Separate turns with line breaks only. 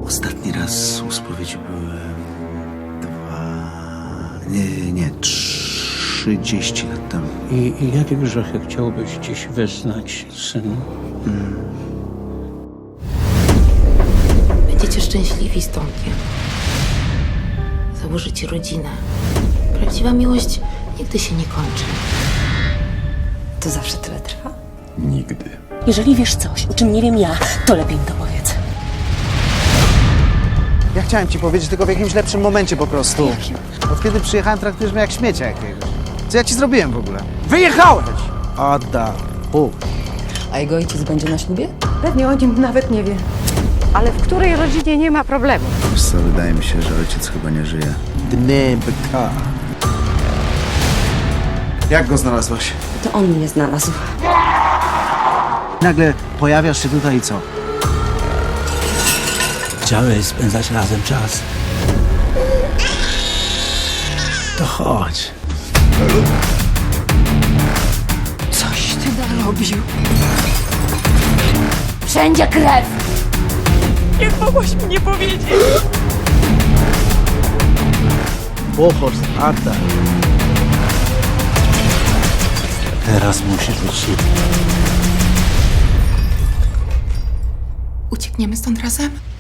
Ostatni raz u spowiedzi byłem 30 lat temu.
I jakie grzechy chciałbyś dziś wyznać, synu?
Będziecie szczęśliwi z Tomkiem. Założycie rodzinę. Prawdziwa miłość nigdy się nie kończy.
To zawsze tyle trwa?
Nigdy.
Jeżeli wiesz coś, o czym nie wiem ja, to lepiej mi to powiedz.
Ja chciałem ci powiedzieć, tylko w jakimś lepszym momencie po prostu. Od kiedy przyjechałem, traktujesz mnie jak śmiecia jakiegoś. Co ja ci zrobiłem w ogóle? Wyjechałeś! Ada.
A jego ojciec będzie na ślubie?
Pewnie o nim nawet nie wie. Ale w której rodzinie nie ma problemu?
Wiesz co, wydaje mi się, że ojciec chyba nie żyje.
Dnebka. Jak go znalazłaś?
To on mnie znalazł.
Nagle pojawiasz się tutaj i co?
Chciałeś spędzać razem czas. To chodź.
Coś ty narobił.
Wszędzie krew!
Bohorst, Ada.
Teraz musisz być silny.
Uciekniemy stąd razem?